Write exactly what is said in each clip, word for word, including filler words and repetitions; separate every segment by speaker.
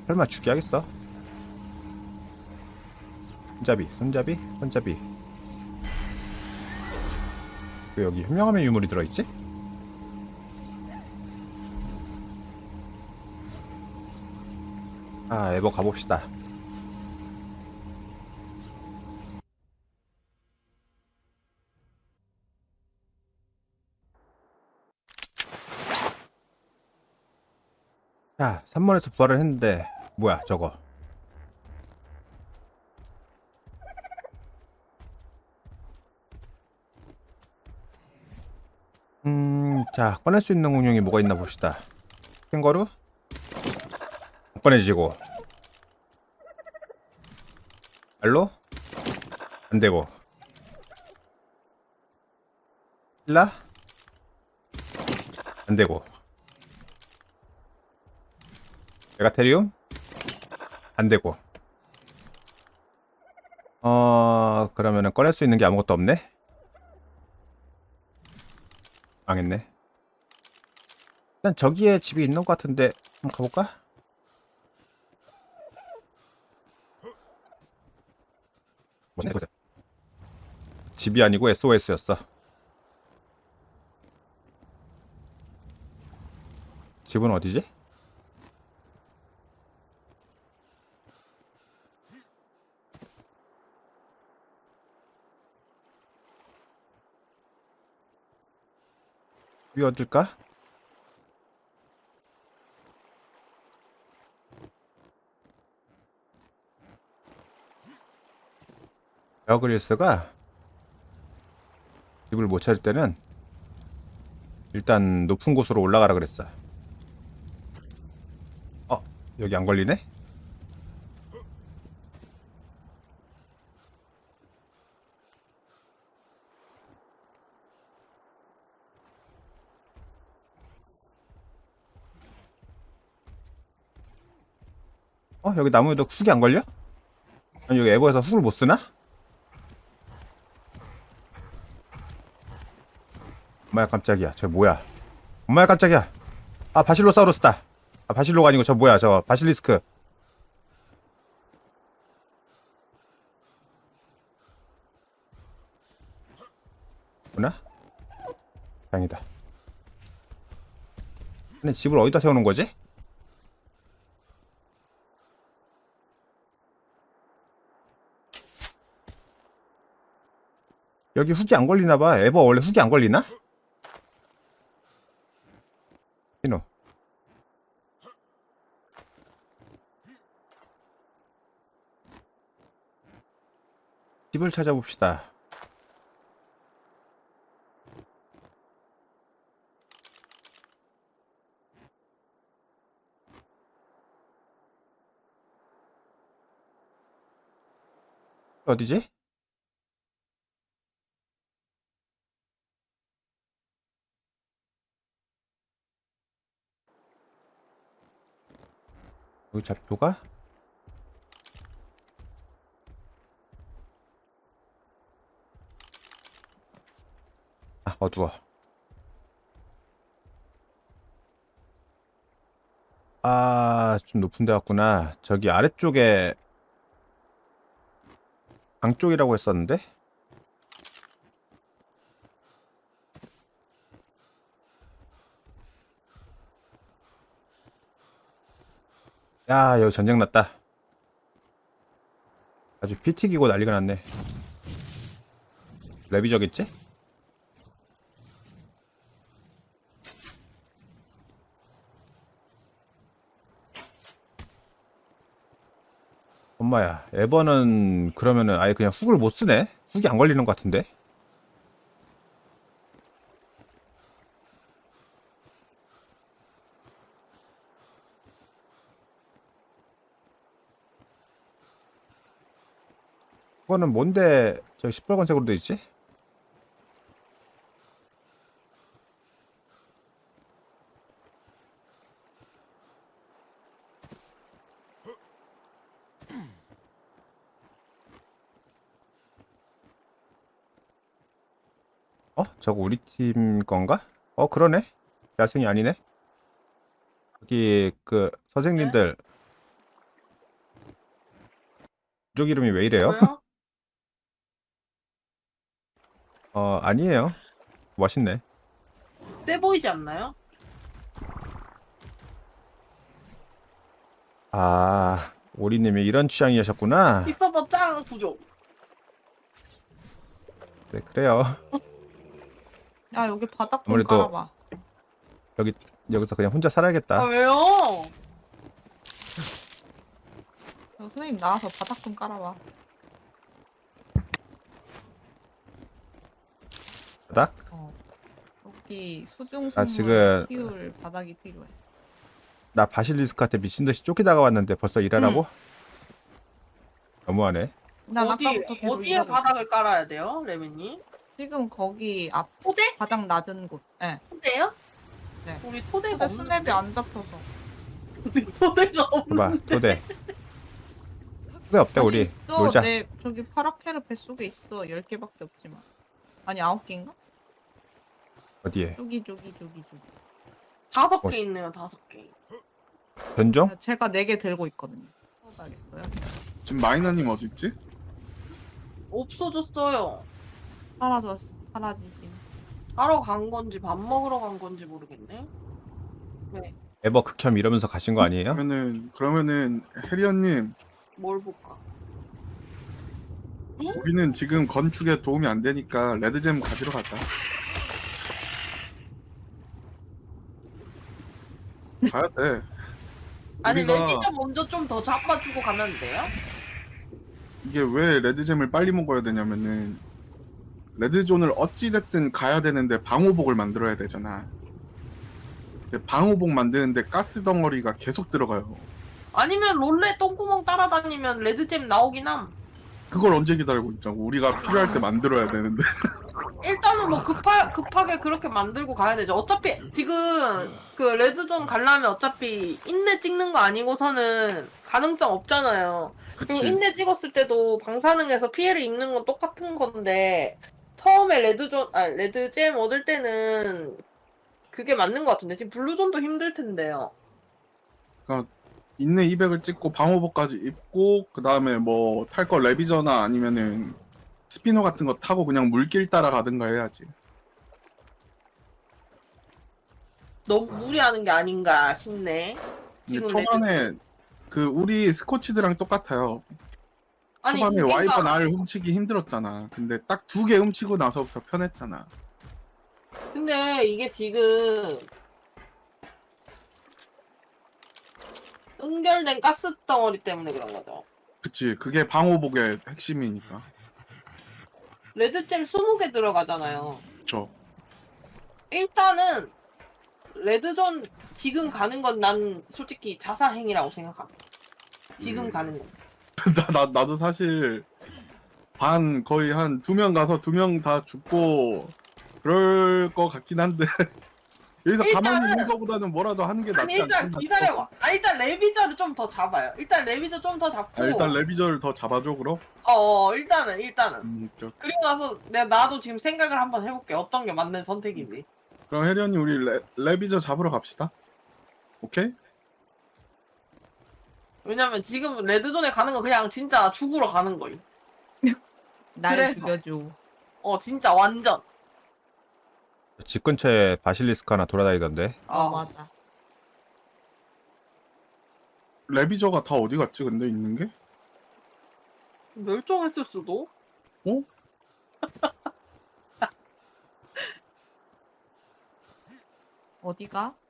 Speaker 1: 설마 죽게 하겠어? 손잡이, 손잡이, 손잡이. 왜 여기 현명함의 유물이 들어있지? 아, 에버 가봅시다. 자, 삼 번에서 부활을 했는데 뭐야 저거. 음, 자, 꺼낼 수 있는 공룡이 뭐가 있나 봅시다. 캥거루? 못 꺼내지고. 알로? 안되고. 힐라? 안되고. 메가테리움? 안되고. 어... 그러면은 꺼낼 수 있는 게 아무것도 없네? 망했네. 일단 저기에 집이 있는 것 같은데 한번 가볼까? 뭐지? 집이 아니고 에스오에스였어. 집은 어디지? 집이 어딜까? 베어그릴스가 집을 못 찾을 때는 일단 높은 곳으로 올라가라 그랬어. 어? 여기 안 걸리네? 어? 여기 나무에도 훅이 안 걸려? 아니 여기 에버에서 훅을 못 쓰나? 엄마야 깜짝이야. 저 뭐야? 엄마야 깜짝이야. 아 바실로사우루스다. 아 바실로가 아니고 저 뭐야? 저 바실리스크. 뭐나? 다행이다. 근데 집을 어디다 세우는 거지? 여기 훅이 안 걸리나봐. 에버 원래 훅이 안 걸리나? 신호. 집을 찾아봅시다. 어디지? 여기 좌표가? 아 어두워. 아 좀 높은 데 갔구나. 저기 아래쪽에 강 쪽이라고 했었는데? 야 여기 전쟁 났다. 아주 피 튀기고 난리가 났네. 레비저겠지? 엄마야 에버는 그러면은 아예 그냥 훅을 못 쓰네? 훅이 안 걸리는 것 같은데? 그거는 뭔데 저 시뻘건색으로 돼 있지? 어? 저거 우리 팀 건가? 어 그러네? 야생이 아니네? 여기 그
Speaker 2: 응?
Speaker 1: 선생님들 부족 이름이 왜 이래요?
Speaker 2: 왜요?
Speaker 1: 어, 아니에요. 멋있네.
Speaker 2: 세 보이지 않나요?
Speaker 1: 아, 오리님이 이런 취향이셨구나.
Speaker 2: 이 서버 짱 부족.
Speaker 1: 네, 그래요.
Speaker 3: 야, 여기 바닥 좀
Speaker 1: 아무래도-
Speaker 3: 깔아봐.
Speaker 1: 여기, 여기서 그냥 혼자
Speaker 2: 아
Speaker 1: 살아야겠다.
Speaker 2: 왜요?
Speaker 3: 여 선생님 나와서 바닥 좀 깔아봐.
Speaker 1: 바닥?
Speaker 3: 어. 여기 수중생물
Speaker 1: 아, 지금-
Speaker 3: 키울 바닥이 필요해.
Speaker 1: 나 바실리스크한테 미친듯이 쫓기다가 왔는데 벌써 일하라고? 너무하네.
Speaker 3: 난
Speaker 2: 어디
Speaker 3: 아까부터 계속
Speaker 2: 어디에
Speaker 3: 이러고 있어.
Speaker 2: 바닥을 깔아야 돼요, 레미님?
Speaker 3: 지금 거기 앞
Speaker 2: 토대?
Speaker 3: 바닥 낮은 곳. 예.
Speaker 2: 토대요?
Speaker 3: 네.
Speaker 2: 우리 토대가
Speaker 3: 근데
Speaker 2: 없는데.
Speaker 3: 스냅이 안 잡혀서.
Speaker 2: 토대가 없는.
Speaker 1: 봐봐, 토대. 토대 없대, 우리.
Speaker 3: 또
Speaker 1: 놀자.
Speaker 3: 내 저기 파라케르 뱃속에 있어. 열 개밖에 없지만. 아니 아홉 개인가?
Speaker 1: 어디에?
Speaker 3: 저기 저기 저기 저기.
Speaker 2: 다섯
Speaker 1: 어.
Speaker 2: 개 있네요, 다섯 개.
Speaker 1: 변종?
Speaker 3: 제가 네 개 들고 있거든요. 써봐야겠어요.
Speaker 4: 지금 마이너님 어딨지?
Speaker 2: 없어졌어요.
Speaker 3: 사라졌 사라지신.
Speaker 2: 하러 간 건지 밥 먹으러 간 건지 모르겠네.
Speaker 1: 에버 극혐 이러면서 가신 거 아니에요?
Speaker 4: 그러면은 그러면은 해리언님
Speaker 2: 뭘 볼까?
Speaker 4: 우리는 지금 건축에 도움이 안 되니까 레드잼 가지러 가자. 가야 돼.
Speaker 2: 아니
Speaker 4: 우리가
Speaker 2: 레미저 먼저 좀 더 잡아주고 가면 돼요?
Speaker 4: 이게 왜 레드잼을 빨리 먹어야 되냐면은 레드존을 어찌 됐든 가야 되는데 방호복을 만들어야 되잖아. 근데 방호복 만드는데 가스 덩어리가 계속 들어가요.
Speaker 2: 아니면 롤레 똥구멍 따라다니면 레드잼 나오긴 함.
Speaker 4: 그걸 언제 기다리고 있자고. 우리가 필요할 때 만들어야 되는데.
Speaker 2: 일단은 뭐 급하, 급하게 그렇게 만들고 가야 되죠. 어차피 지금 그 레드존 가려면 어차피 인내 찍는 거 아니고서는 가능성 없잖아요. 그리고
Speaker 4: 그치.
Speaker 2: 인내 찍었을 때도 방사능에서 피해를 입는 건 똑같은 건데 처음에 레드존, 아 레드잼 얻을 때는 그게 맞는 것 같은데 지금 블루존도 힘들 텐데요.
Speaker 4: 인내 이백을 찍고 방호복까지 입고 그 다음에 뭐 탈 거 레비저나 아니면은 스피너 같은 거 타고 그냥 물길 따라 가든가 해야지.
Speaker 2: 너무 무리하는 게 아닌가 싶네.
Speaker 4: 근데
Speaker 2: 지금
Speaker 4: 초반에 그 우리 스코치드랑 똑같아요.
Speaker 2: 아니
Speaker 4: 초반에
Speaker 2: 그러니까
Speaker 4: 와이번 알 훔치기 힘들었잖아. 근데 딱 두 개 훔치고 나서부터 편했잖아.
Speaker 2: 근데 이게 지금 응결된 가스 덩어리 때문에 그런 거죠.
Speaker 4: 그치. 그게 방호복의 핵심이니까.
Speaker 2: 레드잼 스무 개 들어가잖아요.
Speaker 4: 그쵸.
Speaker 2: 일단은 레드존 지금 가는 건 난 솔직히 자살 행위라고 생각합니다. 지금
Speaker 4: 음.
Speaker 2: 가는 건.
Speaker 4: 나, 나, 나도 사실 반 거의 한 두 명 가서 두 명 다 죽고 그럴 것 같긴 한데 여기서 가만히
Speaker 2: 일단은-
Speaker 4: 있는 것보다는 뭐라도 하는 게
Speaker 2: 아니
Speaker 4: 낫지
Speaker 2: 일단
Speaker 4: 않겠나
Speaker 2: 기다려봐. 아 일단 레비저를 좀 더 잡아요. 일단 레비저 좀 더 잡고.
Speaker 4: 아, 일단 레비저를 더 잡아줘 그럼?
Speaker 2: 어, 어 일단은 일단은.
Speaker 4: 음, 저-
Speaker 2: 그리고 나서 내가 나도 지금 생각을 한번 해볼게. 어떤 게 맞는 선택인지.
Speaker 4: 그럼 혜련이 우리 레, 레비저 잡으러 갑시다. 오케이?
Speaker 2: 왜냐면 지금 레드존에 가는 건 그냥 진짜 죽으러 가는 거임.
Speaker 3: 날
Speaker 2: 그래서.
Speaker 3: 죽여줘.
Speaker 2: 어 진짜 완전.
Speaker 1: 집 근처에 바실리스크 하나 돌아다니던데.
Speaker 3: 어,
Speaker 2: 어.
Speaker 3: 맞아.
Speaker 4: 레비저가 다 어디 갔지 근데 있는 게?
Speaker 2: 멸종했을 수도.
Speaker 4: 어?
Speaker 3: 어디가?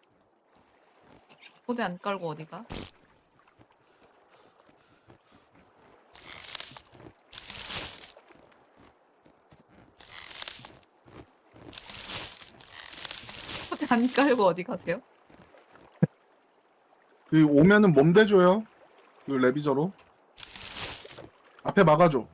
Speaker 3: 포대 안 깔고 어디가? 포대 안 깔고 어디 가세요?
Speaker 4: 그 오면은 몸 대줘요. 그 레비저로. 앞에 막아줘.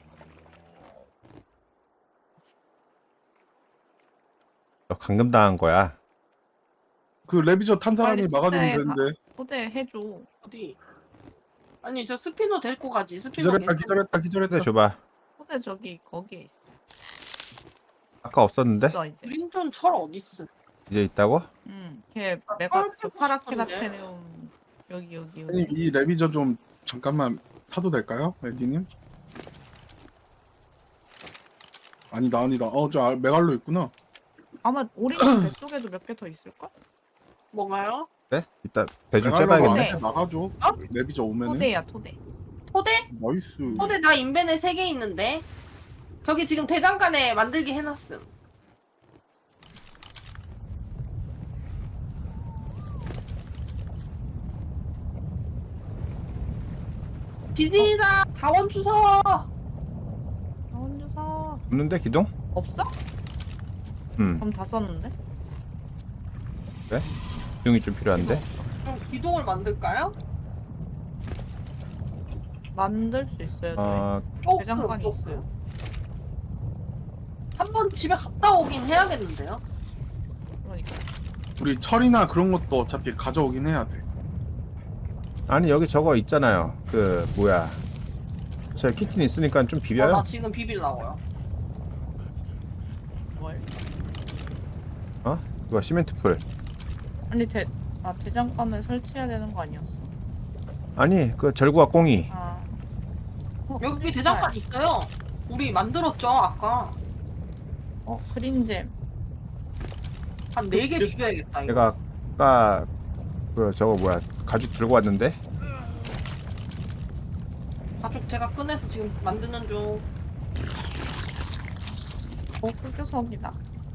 Speaker 1: 너 감금 당한 거야.
Speaker 4: 그 레비저 탄 사람이
Speaker 3: 빨리
Speaker 4: 막아주면
Speaker 3: 포대에 가-
Speaker 4: 되는데.
Speaker 3: 포대 해줘.
Speaker 2: 어디? 아니 저 스피너 데리고 가지. 스피너
Speaker 4: 기절했다
Speaker 2: 괜찮-
Speaker 4: 기절했다 기절했다.
Speaker 1: 근데 줘봐.
Speaker 3: 포대 저기 거기에 있어.
Speaker 1: 아까 없었는데?
Speaker 3: 있어 이제.
Speaker 2: 그린존 철 어딨어?
Speaker 1: 이제 있다고?
Speaker 3: 응. 걔
Speaker 2: 아,
Speaker 3: 메가
Speaker 2: 파라
Speaker 3: 저
Speaker 2: 캐고
Speaker 3: 파라케라테리움 여기 여기
Speaker 4: 아니
Speaker 3: 여기.
Speaker 4: 이 레비저 좀 잠깐만 타도 될까요, 레디님? 아니다 아니다. 어저 메갈로 있구나.
Speaker 3: 아마 오리진 뱃속에도 몇 개 더 있을걸?
Speaker 2: 뭔가요?
Speaker 1: 네? 이따 배 좀
Speaker 4: 메갈로가
Speaker 1: 째봐야겠네.
Speaker 3: 네.
Speaker 4: 안에 나가죠.
Speaker 2: 어?
Speaker 4: 레비저 오면은.
Speaker 3: 토대야 토대.
Speaker 2: 토대?
Speaker 4: 나이스.
Speaker 2: 토대 나 인벤에 세 개 있는데. 저기 지금 대장간에 만들기 해놨음. 지진이다. 자원 주워.
Speaker 3: 자원 주사
Speaker 1: 없는데 기둥?
Speaker 3: 없어?
Speaker 1: 음,
Speaker 3: 그럼 다 썼는데?
Speaker 1: 기둥이 좀 필요한데.
Speaker 2: 그럼 기둥을 만들까요?
Speaker 3: 만들 수 있어요. 저희.
Speaker 1: 어,
Speaker 2: 어,
Speaker 3: 대장간이
Speaker 2: 그럼
Speaker 3: 있어요.
Speaker 2: 한번 집에 갔다 오긴 해야겠는데요.
Speaker 3: 그러니까.
Speaker 4: 우리 철이나 그런 것도 어차피 가져오긴 해야 돼.
Speaker 1: 아니 여기 저거 있잖아요. 그 뭐야? 제 키틴 있으니까 좀
Speaker 2: 어,
Speaker 1: 비벼요.
Speaker 2: 나 지금 비빌라고요.
Speaker 3: 뭘?
Speaker 1: 이거 시멘트 풀.
Speaker 3: 아니 대, 아 대장간을 설치해야 되는 거 아니었어?
Speaker 1: 아니 그 절구와 꽁이.
Speaker 3: 아. 어,
Speaker 2: 여기
Speaker 3: 크리스탈.
Speaker 2: 대장간 있어요. 우리 만들었죠 아까.
Speaker 3: 어 그린잼.
Speaker 2: 한 네 개 비벼야겠다. 이거.
Speaker 1: 내가 아까 그 저거 뭐야 가죽 들고 왔는데.
Speaker 2: 가죽 제가 꺼내서 지금 만드는 중.
Speaker 3: 어 흑교석이다.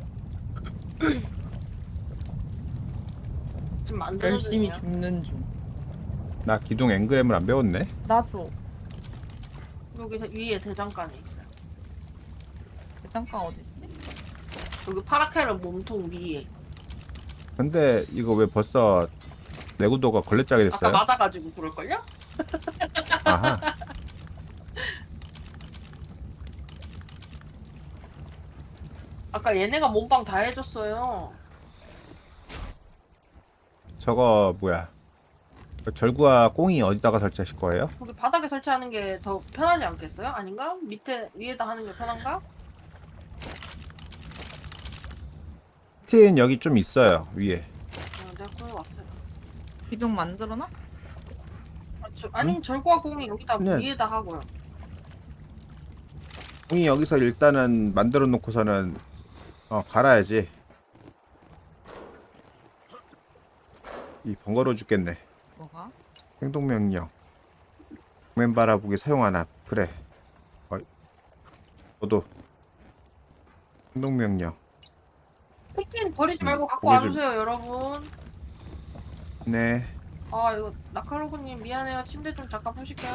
Speaker 2: 지금 만드는
Speaker 3: 열심히
Speaker 2: 중이에요.
Speaker 3: 죽는 중.
Speaker 1: 나 기둥 앵그램을 안 배웠네.
Speaker 3: 나 줘.
Speaker 2: 여기 대- 위에 대장간에 있어요.
Speaker 3: 대장간 어디 있지?
Speaker 2: 여기 파라케르 몸통 위에.
Speaker 1: 근데 이거 왜 벌써 내구도가 걸레짝이
Speaker 2: 아까
Speaker 1: 됐어요?
Speaker 2: 맞아가지고 그럴걸요?
Speaker 1: 아하.
Speaker 2: 아까 얘네가 몸빵 다 해줬어요.
Speaker 1: 저거 뭐야? 그 절구와 꽁이 어디다가 설치하실 거예요?
Speaker 2: 여기 바닥에 설치하는 게 더 편하지 않겠어요? 아닌가? 밑에 위에다 하는 게 편한가?
Speaker 1: 키틴 여기 좀 있어요 위에.
Speaker 2: 어, 내가 구해왔어요.
Speaker 3: 기둥 만들어놔?
Speaker 2: 아, 저, 아니 절구와 공이 여기다
Speaker 1: 그냥-
Speaker 2: 위에다 하고요.
Speaker 1: 꽁이 여기서 일단은 만들어 놓고서는 어 갈아야지. 이 번거로워 죽겠네.
Speaker 3: 뭐가?
Speaker 1: 행동명령 맨 바라보기 사용하나. 그래. 어, 너도 행동명령.
Speaker 2: 치킨 버리지 말고 갖고
Speaker 1: 고기 좀-
Speaker 2: 와주세요 여러분.
Speaker 1: 네.
Speaker 2: 아 이거 나카로그님 미안해요. 침대 좀 잠깐 푸실게요.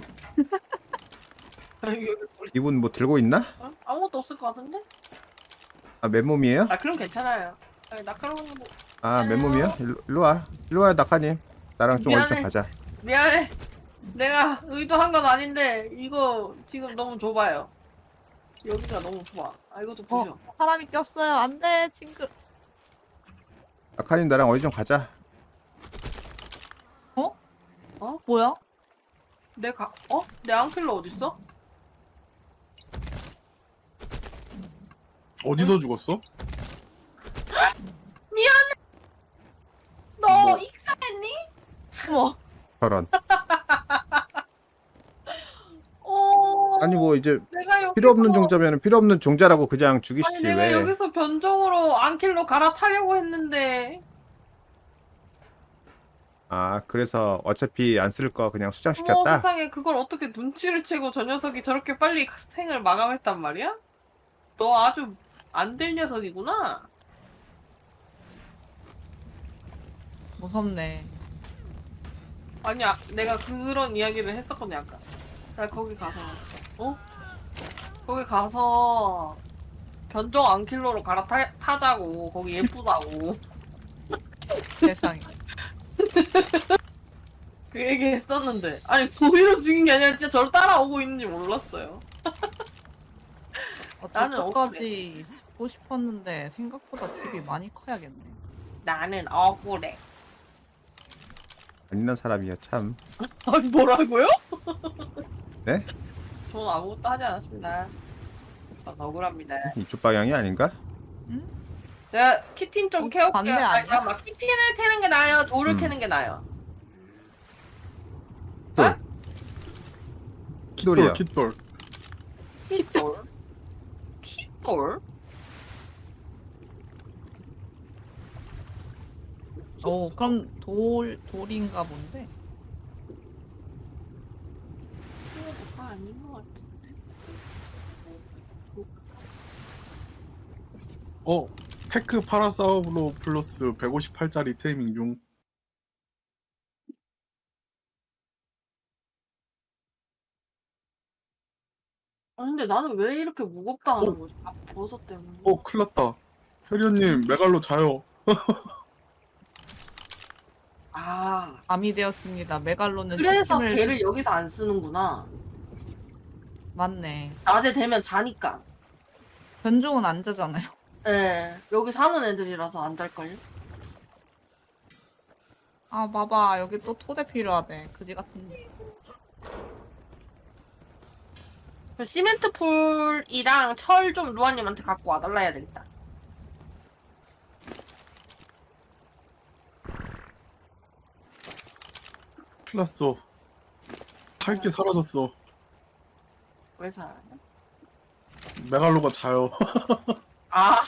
Speaker 2: 아, 여기 버리-
Speaker 1: 이분 뭐 들고 있나?
Speaker 2: 어? 아무것도 없을 것 같은데?
Speaker 1: 아 맨몸이에요?
Speaker 2: 아 그럼 괜찮아요. 아, 나카로그님 뭐...
Speaker 1: 아 맨몸이요? 일로, 일로 와. 일로 와요 낙하님. 나랑 좀 어디 좀
Speaker 2: 미안해.
Speaker 1: 가자.
Speaker 2: 미안해. 내가 의도한 건 아닌데 이거 지금 너무 좁아요. 여기가 너무 좁아. 아 이것도 부셔.
Speaker 3: 어 사람이 꼈어요. 안돼 징글.
Speaker 1: 낙하님 나랑 어디 좀 가자.
Speaker 3: 어?
Speaker 2: 어?
Speaker 3: 뭐야?
Speaker 2: 내 가... 어? 내 앙킬러 어딨어?
Speaker 4: 어디서 죽었어?
Speaker 2: 너
Speaker 4: 뭐?
Speaker 2: 익사했니?
Speaker 3: 어머.
Speaker 1: 저런.
Speaker 2: 어...
Speaker 1: 아니 뭐 이제
Speaker 2: 내가 여기서...
Speaker 1: 필요 없는 종자면 필요 없는 종자라고 그냥
Speaker 2: 아니
Speaker 1: 죽이시지
Speaker 2: 내가
Speaker 1: 왜.
Speaker 2: 여기서 변종으로 앙킬러 갈아타려고 했는데
Speaker 1: 아 그래서 어차피 안 쓸 거 그냥
Speaker 2: 어머
Speaker 1: 수정시켰다.
Speaker 2: 세상에 그걸 어떻게 눈치를 채고 저 녀석이 저렇게 빨리 생을 마감했단 말이야? 너 아주 안 될 녀석이구나.
Speaker 3: 무섭네.
Speaker 2: 아니야 내가 그런 이야기를 했었거든 아까. 나 거기 가서 어? 거기 가서 변종 앙킬러로 갈아타자고. 거기 예쁘다고.
Speaker 3: 세상에.
Speaker 2: 그 얘기 했었는데 아니 고의로 죽인 게 아니라 진짜 저를 따라오고 있는지 몰랐어요. 나는
Speaker 3: 어쩌까지 짓고 싶었는데 생각보다 집이 많이 커야겠네.
Speaker 2: 나는 억울해.
Speaker 1: 안 있는 사람이야 참.
Speaker 2: 아니 뭐라고요?
Speaker 1: 네?
Speaker 2: 저는 아무것도 하지 않았습니다. 전 억울합니다.
Speaker 1: 이쪽 방향이 아닌가?
Speaker 2: 내가 키틴 좀
Speaker 3: 어,
Speaker 2: 캐올게요.
Speaker 3: 반대
Speaker 2: 아니,
Speaker 3: 아니야?
Speaker 2: 잠깐만. 키틴을 캐는 게 나아요? 돌을
Speaker 1: 음.
Speaker 2: 캐는 게 나아요?
Speaker 1: 돌.
Speaker 2: 어?
Speaker 1: 깃돌이요.
Speaker 4: 깃돌.
Speaker 2: kit돌? kit돌?
Speaker 3: 오, 그럼 돌 돌인가 본데.
Speaker 2: 그거 아닌 것 같은데.
Speaker 4: 어, 테크 파라사우로 플러스 백오십팔 짜리 테이밍 중.
Speaker 2: 아 근데 나는 왜 이렇게 무겁다 하는
Speaker 4: 어?
Speaker 2: 거지? 아 버섯 때문에.
Speaker 4: 어, 큰일 났다. 혜리언님, 메갈로 자요.
Speaker 2: 아
Speaker 3: 밤이 되었습니다. 메갈로는
Speaker 2: 그래서
Speaker 3: 기침을
Speaker 2: 걔를 여기서 안 쓰는구나.
Speaker 3: 맞네.
Speaker 2: 낮에 되면 자니까.
Speaker 3: 변종은 안 자잖아요.
Speaker 2: 예, 여기 사는 애들이라서 안 잘걸요?
Speaker 3: 아, 봐봐. 여기 또 토대 필요하대. 그지 같은데.
Speaker 2: 그 시멘트 풀이랑 철 좀 루아님한테 갖고 와달라 해야 되겠다.
Speaker 4: 큰일 났어. 할 게 사라졌어.
Speaker 2: 왜 살아요?
Speaker 4: 메갈로가 자요.
Speaker 2: 아,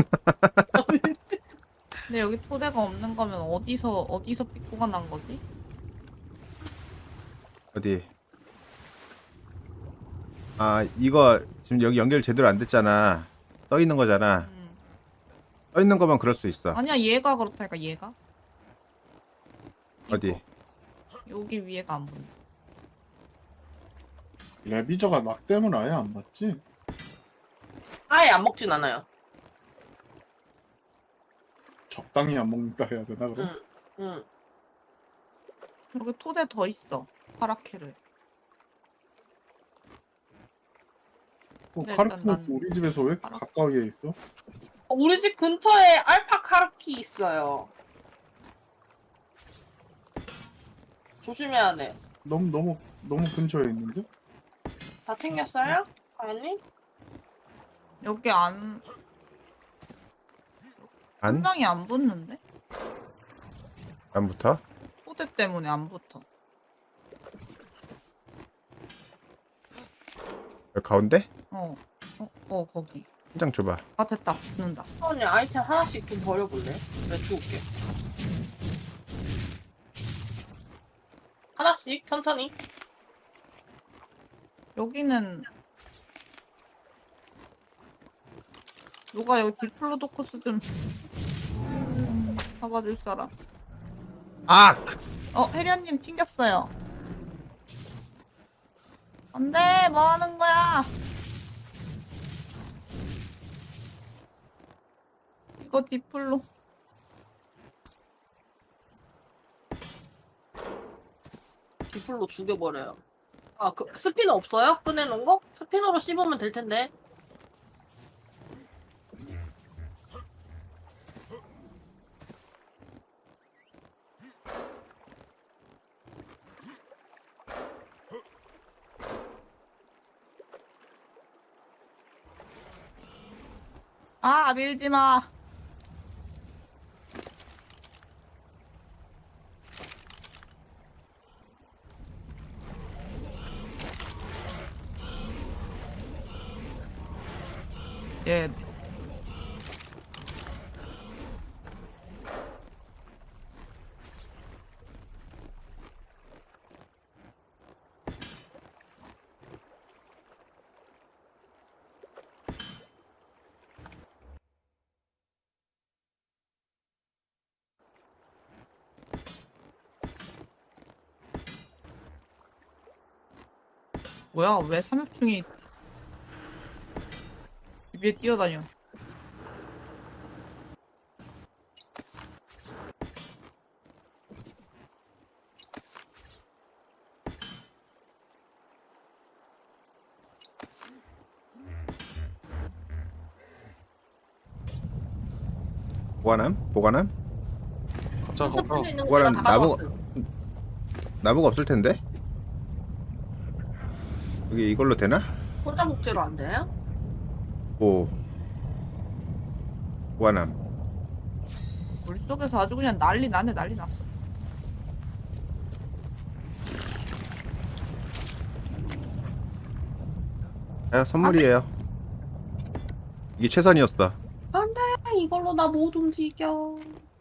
Speaker 3: 근데 여기 토대가 없는 거면 어디서 어디서 삐꾸가 난 거지?
Speaker 1: 어디? 아 이거 지금 여기 연결 제대로 안 됐잖아. 떠 있는 거잖아.
Speaker 3: 음.
Speaker 1: 떠 있는 거면 그럴 수 있어.
Speaker 3: 아니야, 얘가 그렇다니까 얘가.
Speaker 1: 어디?
Speaker 3: 이거. 여기 위에가 안 보여.
Speaker 4: 레비저가 낙댐을 아예 안 맞지?
Speaker 2: 아예 안 먹진 않아요.
Speaker 4: 적당히 안 먹는다 해야 되나 그럼?
Speaker 2: 응, 응.
Speaker 3: 여기 토대 더 있어. 파라케를.
Speaker 4: 어,
Speaker 3: 네,
Speaker 4: 카르키노스
Speaker 3: 일단 난-
Speaker 4: 우리 집에서 왜 이렇게
Speaker 3: 알아.
Speaker 4: 가까이에 있어?
Speaker 2: 어, 우리 집 근처에 알파 카르키 있어요. 조심해야 돼.
Speaker 4: 너무 너무 너무 근처에 있는데?
Speaker 2: 다 챙겼어요? 아니?
Speaker 3: 여기 안
Speaker 1: 안?
Speaker 3: 한방이 안 붙는데?
Speaker 1: 안 붙어?
Speaker 3: 토대 때문에 안 붙어.
Speaker 1: 여기 가운데?
Speaker 3: 어, 어, 어 거기.
Speaker 1: 한 장 줘봐.
Speaker 3: 아 됐다, 붙는다.
Speaker 2: 언니 아이템 하나씩 좀 버려볼래? 내가 주울게. 하나씩 천천히.
Speaker 3: 여기는 누가 여기 디플로도코스 좀 잡아줄 사람.
Speaker 1: 아!
Speaker 3: 어, 혜련님 튕겼어요. 안돼, 뭐 하는 거야? 이거 디플로.
Speaker 2: 디플로 죽여버려요. 아, 그 스피너 없어요? 꺼내놓은 거? 스피너로 씹으면 될 텐데.
Speaker 3: 아, 밀지 마. 예. 뭐야, 왜 삼엽충이 위에 뛰어다녀?
Speaker 1: 보관함? 보관함?
Speaker 4: 가자
Speaker 2: 스피너
Speaker 4: 가자.
Speaker 2: 있는 거
Speaker 1: 그거는
Speaker 2: 내가 다
Speaker 1: 나무-
Speaker 2: 가져왔어요.
Speaker 1: 나무가 없을 텐데? 여기 이걸로 되나?
Speaker 2: 혼자 목재로 안 돼요?
Speaker 1: 오. 보관함.
Speaker 3: 물속에서 아주 그냥 난리 나네, 난리 났어.
Speaker 1: 야, 선물이에요. 이게 최선이었어.
Speaker 2: 안돼 이걸로 나 못 움직여.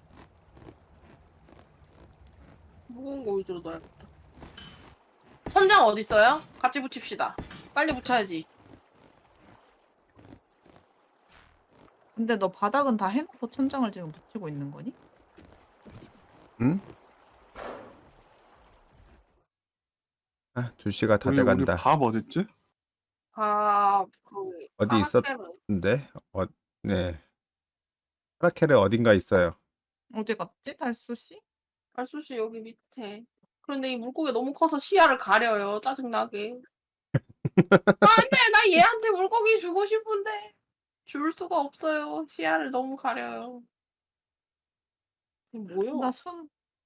Speaker 2: 무거운 거 위주로 넣어야겠다. 천장 어디 있어요? 같이 붙입시다. 빨리 붙여야지.
Speaker 3: 근데 너 바닥은 다 해놓고 천장을 지금 붙이고 있는 거니?
Speaker 1: 응? 아, 두 시가 다
Speaker 4: 우리 우리
Speaker 1: 돼간다.
Speaker 4: 밥 어딨지?
Speaker 2: 아그
Speaker 1: 어디 있었는데? 어, 네. 파라켈에 어딘가 있어요.
Speaker 3: 어디 갔지? 달수 씨?
Speaker 2: 알수씨 여기 밑에. 그런데 이 물고기 너무 커서 시야를 가려요. 짜증나게. 안돼 나 얘한테 물고기 주고 싶은데 줄 수가 없어요. 시야를 너무 가려요. 이게 뭐야?
Speaker 3: 나 숨.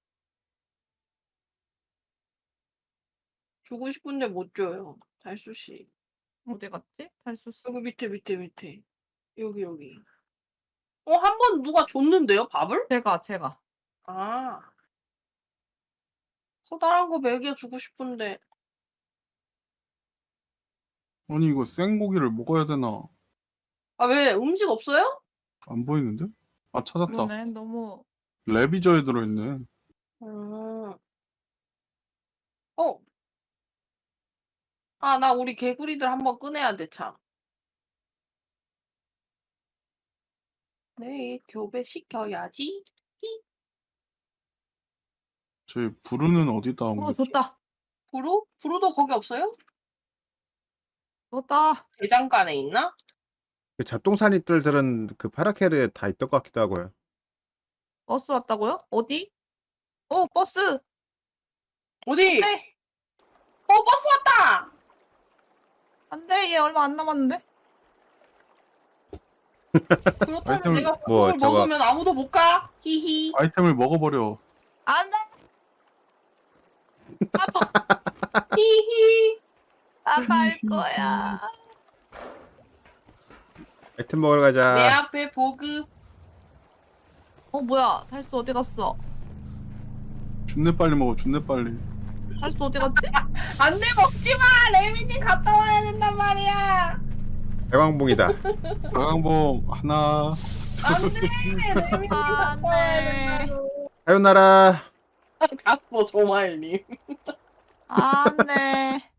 Speaker 2: 주고 싶은데 못 줘요. 달수씨.
Speaker 3: 어디 갔지? 달수 씨.
Speaker 2: 여기 밑에 밑에 밑에. 여기 여기. 어 한 번 누가 줬는데요 밥을?
Speaker 3: 제가 제가.
Speaker 2: 아. 커다란 거 먹여주고 싶은데
Speaker 4: 아니 이거 생고기를 먹어야 되나?
Speaker 2: 아 왜 음식 없어요?
Speaker 4: 안 보이는데? 아 찾았다.
Speaker 3: 그러네. 너무
Speaker 4: 레비저에 들어있네.
Speaker 2: 음. 어. 아 나 우리 개구리들 한번 꺼내야 돼 참. 네 교배 시켜야지.
Speaker 4: 저희 부르는 어디다
Speaker 3: 어
Speaker 4: 옮겼지?
Speaker 3: 좋다.
Speaker 2: 부루? 부루도 거기 없어요?
Speaker 3: 좋다.
Speaker 2: 대장간에 있나?
Speaker 1: 그 잡동사니들들은 그 파라켈에 다 있던 것 같기도 하고요.
Speaker 3: 버스 왔다고요? 어디? 어 버스.
Speaker 2: 어디?
Speaker 3: 네.
Speaker 2: 어 버스 왔다.
Speaker 3: 안돼 얘 얼마 안 남았는데.
Speaker 2: 그렇다면
Speaker 4: 아이템을-
Speaker 2: 내가
Speaker 1: 뭐,
Speaker 2: 그걸
Speaker 1: 저거-
Speaker 2: 먹으면 아무도 못 가. 히히.
Speaker 4: 아이템을 먹어버려.
Speaker 3: 안돼.
Speaker 2: 히히.
Speaker 3: 나갈 거야.
Speaker 1: 아이템 먹으러
Speaker 2: 내
Speaker 1: 가자.
Speaker 2: 앞에 보급.
Speaker 3: 어 뭐야? 달수 어디 갔어?
Speaker 4: 준내 빨리 먹어. 준내 빨리.
Speaker 3: 달수 어디 갔지?
Speaker 2: 안돼 먹지 마. 레미님 갔다 와야 된단 말이야.
Speaker 1: 대왕봉이다.
Speaker 4: 가강봉 하나.
Speaker 2: 안돼. 레미님 갔다 와야
Speaker 3: 안돼.
Speaker 2: 된다고.
Speaker 1: 사요나라.
Speaker 2: 갔어 조마일님.
Speaker 3: 안돼.